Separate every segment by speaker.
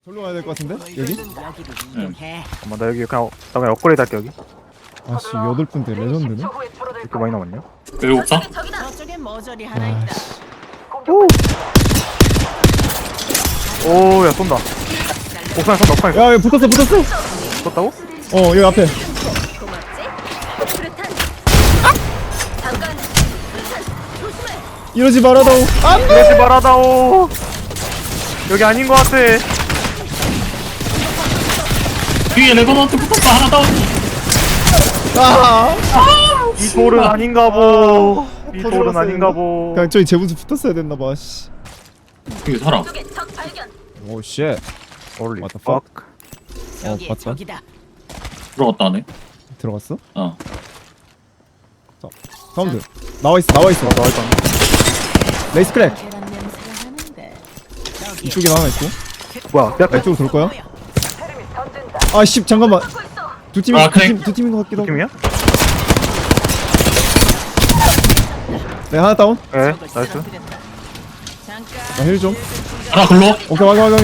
Speaker 1: 절로 가야 될 것 같은데? 여기?
Speaker 2: 잠깐만 나 여기 그냥 나 그냥 업그레이드 할게 여기.
Speaker 1: 아씨 8분대 레전드네?
Speaker 2: 이렇게 많이 남았냐?
Speaker 3: 여기 옥상?
Speaker 4: 저쪽에 머저리 하나 있다.
Speaker 1: 아씨
Speaker 2: 오야 쏜다. 옥상에 쏜다 옥상에
Speaker 1: 야 여기 붙었어
Speaker 2: 쏜다고?
Speaker 1: 어 여기 앞에 이러지 말아다오 안돼!
Speaker 2: 그러지 말아다오. 여기 아닌 것 같아.
Speaker 3: 뒤에 레버넌트 붙었어 하나 더.
Speaker 1: 아!
Speaker 2: 이 돌은 아닌가 보. 이 돌은
Speaker 1: 터져버렸어야
Speaker 2: 아닌가 보.
Speaker 1: 그냥 저기 제분수 붙었어야 됐나봐 씨
Speaker 3: 여기 사람.
Speaker 1: 오쉣
Speaker 2: Holy
Speaker 1: What the
Speaker 2: fuck.
Speaker 4: 저기
Speaker 1: 봤다.
Speaker 4: 저기다.
Speaker 3: 들어갔다 하네.
Speaker 1: 들어갔어?
Speaker 3: 어.
Speaker 1: 사운드 나와있어 나와있어
Speaker 2: 나와있다.
Speaker 1: 레이스 크랙
Speaker 4: 계란 냄새가 나는데. 저기.
Speaker 1: 이쪽에 하나 있고
Speaker 2: 뭐야 내 앞에
Speaker 1: 이쪽으로 돌 거야? 아씨 잠깐만 두 팀이
Speaker 3: 아, 크랙.
Speaker 1: 두 팀인 것 같기도 하고
Speaker 2: 팀이야?
Speaker 1: 네 하나 다운
Speaker 2: 예
Speaker 4: 저걸
Speaker 2: 나이스.
Speaker 4: 쓰러뜨렸다. 잠깐.
Speaker 1: 나 힐 좀
Speaker 3: 하나 글로.
Speaker 1: 오케이 확인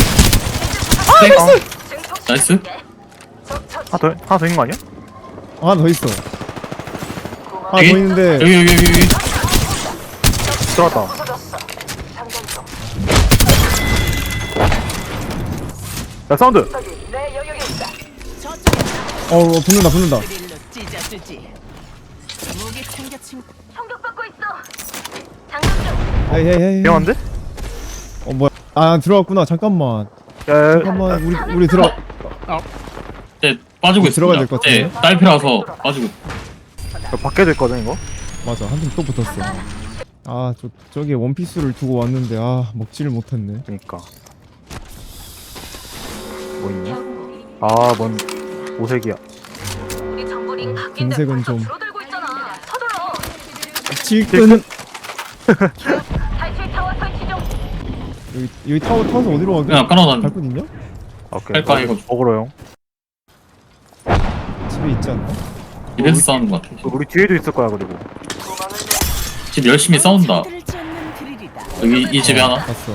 Speaker 3: 나이스.
Speaker 2: 하나 더 있는 거 아니야?
Speaker 1: 하나 더 있어 하나 더
Speaker 3: 여기?
Speaker 1: 있는데
Speaker 3: 여기.
Speaker 2: 들어왔다. 야 사운드.
Speaker 1: 어 붙는다
Speaker 4: 그릴로 찢어주지. 무기 챙겨 친구.
Speaker 1: 헤이
Speaker 2: 위험한데?
Speaker 1: 어 뭐야 아 들어갔구나 잠깐만
Speaker 2: 야
Speaker 1: 잠깐만 우리 들어
Speaker 3: 네 빠지고 있어.
Speaker 1: 들어가야 될것 같은데?
Speaker 3: 네 딸피라서 빠지고.
Speaker 2: 밖에도 있거든 이거.
Speaker 1: 맞아 한 팀 또 붙었어 아 저기 원피스를 두고 왔는데 아 먹지를 못했네
Speaker 2: 그니까. 뭐 있냐? 아뭔 오색이야.
Speaker 1: 금색은 좀 질끈 여기 타워 타워서 어디로 가게?
Speaker 3: 그냥 깔아놨는데.
Speaker 1: 갈 곳 있냐?
Speaker 2: 오케이.
Speaker 3: 할까, 이거?
Speaker 2: 먹으러 형.
Speaker 1: 집에 있지 않나?
Speaker 3: 집에서 싸우는 것 같아.
Speaker 2: 우리 뒤에도 있을 거야 그리고.
Speaker 3: 집 열심히 싸운다.
Speaker 4: 들지 않는 그릴이다.
Speaker 3: 여기 이 집에 하나.
Speaker 1: 봤어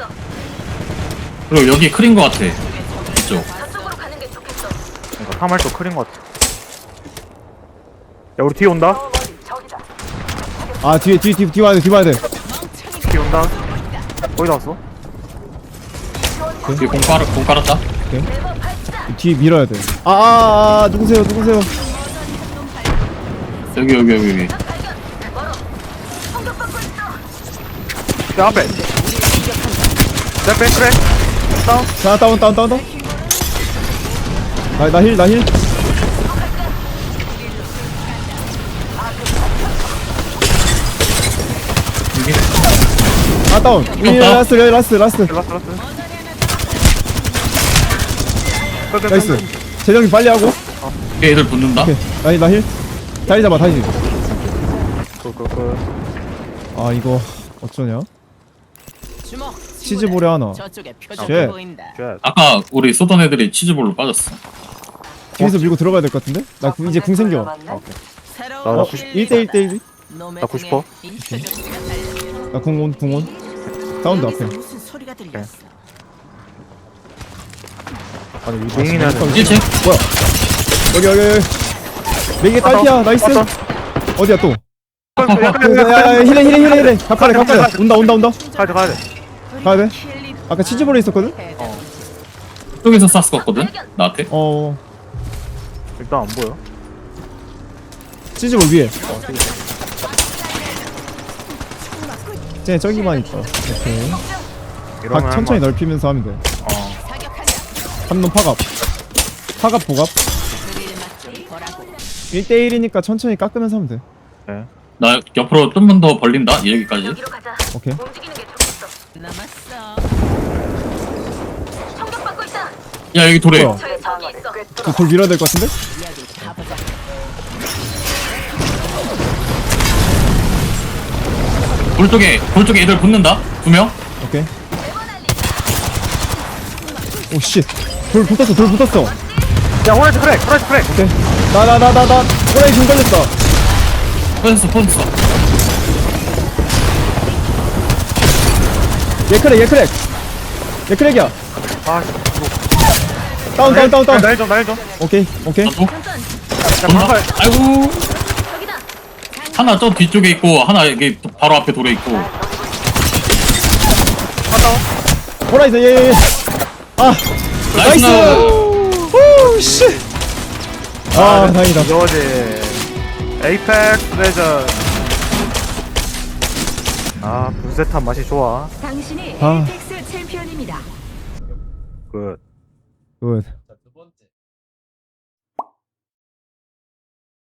Speaker 3: 그리고 여기 크린 것 같아. 이쪽.
Speaker 2: 그러니까 3할도 크린 것 같아. 야 우리 뒤에 온다.
Speaker 1: 아 뒤에 와야 돼
Speaker 2: 뒤에 온다. 거의 다 왔어.
Speaker 3: 여기 공 깔았다.
Speaker 1: 뒤에 밀어야 돼 누구세요
Speaker 3: 여기.
Speaker 2: 야 앞에. 내 앞에 그래. 다운.
Speaker 1: 자 다운 나힐
Speaker 3: 여기.
Speaker 1: 아 다운 라스트
Speaker 2: 라스.
Speaker 1: 나이스 재정이 빨리 하고
Speaker 3: 여기 애들 붙는다.
Speaker 1: 오케이 나힐 다리 잡아 다시 아 이거 어쩌냐
Speaker 4: 주먹.
Speaker 1: 치즈볼에 하나
Speaker 4: 저쪽에
Speaker 1: 쉣.
Speaker 4: 표정이 보인다.
Speaker 3: 아까 우리 쏘던 애들이 치즈볼로 빠졌어.
Speaker 1: 뒤에서 밀고 들어가야 될 것 같은데? 나 이제 궁 생겨
Speaker 4: 새로운
Speaker 2: 나
Speaker 1: 1대1
Speaker 2: 나 90%.
Speaker 1: 나 궁온 사운드 앞에
Speaker 4: 무슨 소리가 들렸어?
Speaker 2: 아니 이 맹인은
Speaker 3: 1층?
Speaker 1: 뭐야 여기 네개 딸피야 나이스
Speaker 2: 왔다.
Speaker 1: 어디야 또
Speaker 2: 가야
Speaker 1: 힐해 갑가래 온다
Speaker 2: 가야 돼.
Speaker 1: 가야 돼? 아까 치즈볼에 있었거든?
Speaker 3: 쪽에서 쐈을 것 같거든? 나한테?
Speaker 1: 어
Speaker 2: 일단 안 보여.
Speaker 1: 치즈볼 위에 쟤 저기만 있다 오케이
Speaker 2: 이러면
Speaker 1: 천천히 넓히면서 하면 돼
Speaker 2: 어.
Speaker 1: 한놈 파갑 보갑 1대1이니까 천천히 깎으면서 하면 돼
Speaker 2: 네.
Speaker 3: 나 옆으로 좀만 더 벌린다? 여기까지.
Speaker 1: 오케이
Speaker 4: 남았어.
Speaker 3: 야 여기 돌에.
Speaker 1: 뭐야 그돌 밀어야 될 것 같은데?
Speaker 4: 여기 가보자.
Speaker 3: 돌 쪽에 애들 붙는다? 2명?
Speaker 1: 오케이 오씨 돌 붙었어
Speaker 2: 야 호라이트 크랙.
Speaker 1: 오케이 나 호라이 중 걸렸다
Speaker 3: 퍼졌어.
Speaker 1: 얘 크랙이야
Speaker 2: 아
Speaker 1: 다운.
Speaker 2: 나해줘
Speaker 1: 오케이.
Speaker 3: 나도
Speaker 2: 자
Speaker 3: 온다.
Speaker 2: 방팔
Speaker 3: 아이고. 하나 저 뒤쪽에 있고 하나 여기 바로 앞에 돌에 있고.
Speaker 2: 하다운
Speaker 1: 호라이즌 예. 아
Speaker 3: 나이스.
Speaker 1: 오 씨. 아 다행이다.
Speaker 2: 이거지 에이펙스 레전 아 분쇄탄 맛이 좋아
Speaker 4: 당신이
Speaker 1: 아.
Speaker 4: 에이펙스 챔피언입니다.
Speaker 2: 굿
Speaker 1: 굿.